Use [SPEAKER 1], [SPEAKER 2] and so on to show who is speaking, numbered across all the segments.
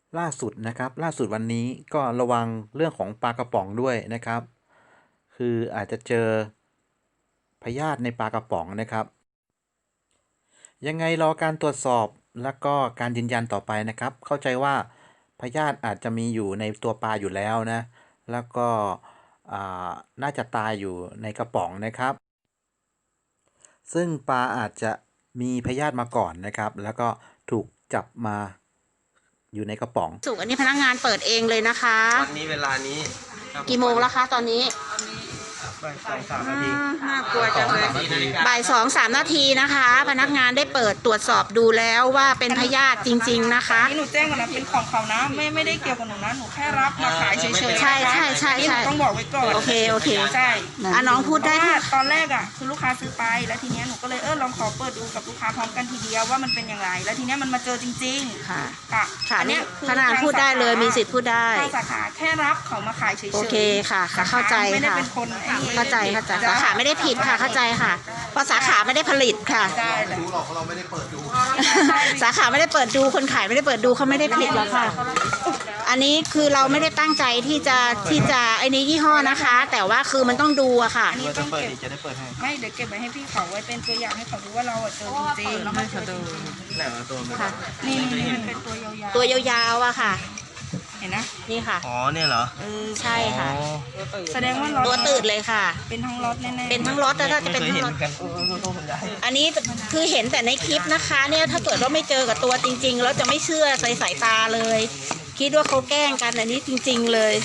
[SPEAKER 1] ล่าสุดนะครับล่าสุดวันนี้ก็ระวังเรื่องของปลากระป๋องด้วยนะครับคืออาจจะเจอพยาธิในปลากระป๋องนะครับยังไงรอการตรวจสอบแล้วก็การยืนยันต่อไปนะครับเข้าใจว่าพยาธิอาจจะมีอยู่ในตัวปลาอยู่แล้วนะแล้วก็อ่าน่าจะตายอยู่ในกระป๋องนะครับซึ่งปลาอาจจะมีพยาธิมาก่อนนะครับแล้วก็ถูกจับมาอยู่ในกระป๋อง
[SPEAKER 2] สุกอันนี้พนักงานเปิดเองเลยนะคะ
[SPEAKER 3] วันนี้เวลานี้
[SPEAKER 2] กี่โมงแล้วคะตอนนี้
[SPEAKER 3] บ่ายสองสามนาที
[SPEAKER 2] น่ากลัวจังเลยบ่าย2-3 นาทีนะคะ พนักงานได้เปิดตรวจสอบดูแล้วว่าเป็นพยาธิจริงๆนะคะ
[SPEAKER 4] นี่หนูแจ้งก่อนนะเป็นของเขานะไม่ได้เกี่ยวกับหนูนะหนูแค่รับมาขายเฉยๆ
[SPEAKER 2] ใช่
[SPEAKER 4] ต้องบอกไว้ก่อน
[SPEAKER 2] โอเค
[SPEAKER 4] ใช่
[SPEAKER 2] น้องพูดได้ค่ะ
[SPEAKER 4] ตอนแรกอ่ะคือลูกค้าซื้อไปแล้วทีเนี้ยหนูก็เลยลองขอเปิดดูกับลูกค้าพร้อมกันทีเดียวว่ามันเป็นอย่างไรแล้วทีเนี้ยมันมาเจอจริงๆ
[SPEAKER 2] ค่ะ
[SPEAKER 4] อันเนี้ย
[SPEAKER 2] พนักงานพูดได้เลยมีสิทธิ์พูดได้
[SPEAKER 4] ทางสาขาแค่รับเขามาขายเฉยๆ
[SPEAKER 2] โอเคค่ะเข้าใจ
[SPEAKER 4] ไม่ได้
[SPEAKER 2] ค่ะ
[SPEAKER 4] เป็นคน
[SPEAKER 2] เข้าใจสาขาไม่ได้ผิดค่ะเข้าใจค่ะเพราะสาขาไม่ได้ผลิตค่ะ
[SPEAKER 3] รู้หรอกเราไม่ได้เปิดดู
[SPEAKER 2] สาขาไม่ได้เปิดดูคนขายไม่ได้เปิดดูเขาไม่ได้ผิดหรอกค่ะอันนี้คือเราไม่ได้ตั้งใจที่จะไอ้นี้ยี่ห้อนะคะ แต่ว่าคือมันต้องดูอะค่ะ
[SPEAKER 3] เราจะเปิดอีกจะได้เปิดให้
[SPEAKER 4] ไม่เดี๋ยวเก็บไว้ให้พี่เขาไว้เป็นตัวอย่างให้เขาดูว่าเราเจอจริงๆ
[SPEAKER 3] ให้เขาดูไหนวะตัวมัน
[SPEAKER 4] นี่มันเป็น
[SPEAKER 2] ตัวยาวๆอะค่ะ
[SPEAKER 4] เห็นนะ
[SPEAKER 2] นี่ค่ะ
[SPEAKER 3] อ๋อเนี่ยเหรอ
[SPEAKER 2] ใช่ค่ะ
[SPEAKER 4] แสดงว่า
[SPEAKER 2] ตัวตืดเลยค่ะ
[SPEAKER 4] เป็นทั้งรถแน่ๆ
[SPEAKER 2] เป็นทั้งรถแล้วถ้าจะเป็นทั้งรถอันนี้คือเห็นแต่ในคลิปนะคะเนี่ยถ้าเกิดว่าไม่เจอกับตัวจริงๆแล้วจะไม่เชื่อใส่สายตาเลย คิดว่าเขาแกล้งกันอันนี้จริงๆเลย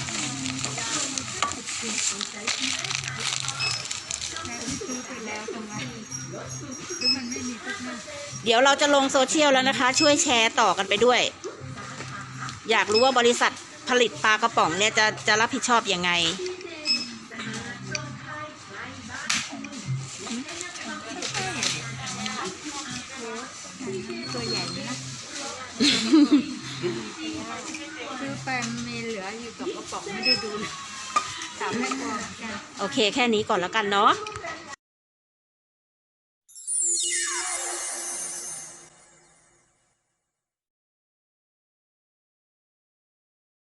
[SPEAKER 2] เดี๋ยวเราจะลงโซเชียลแล้วนะคะช่วยแชร์ต่อกันไปด้วยอยากรู้ว่าบริษัทผลิตปลากระป๋องเนี่ยจะรับผิดชอบยังไง
[SPEAKER 5] ตัวใหญ่นะซื้อไปมีเหลืออยู่กับกระป๋องไม่ได้ดูถามให้ก่อนกัน
[SPEAKER 2] โอเคแค่นี้ก่อนแล้วกันเนาะ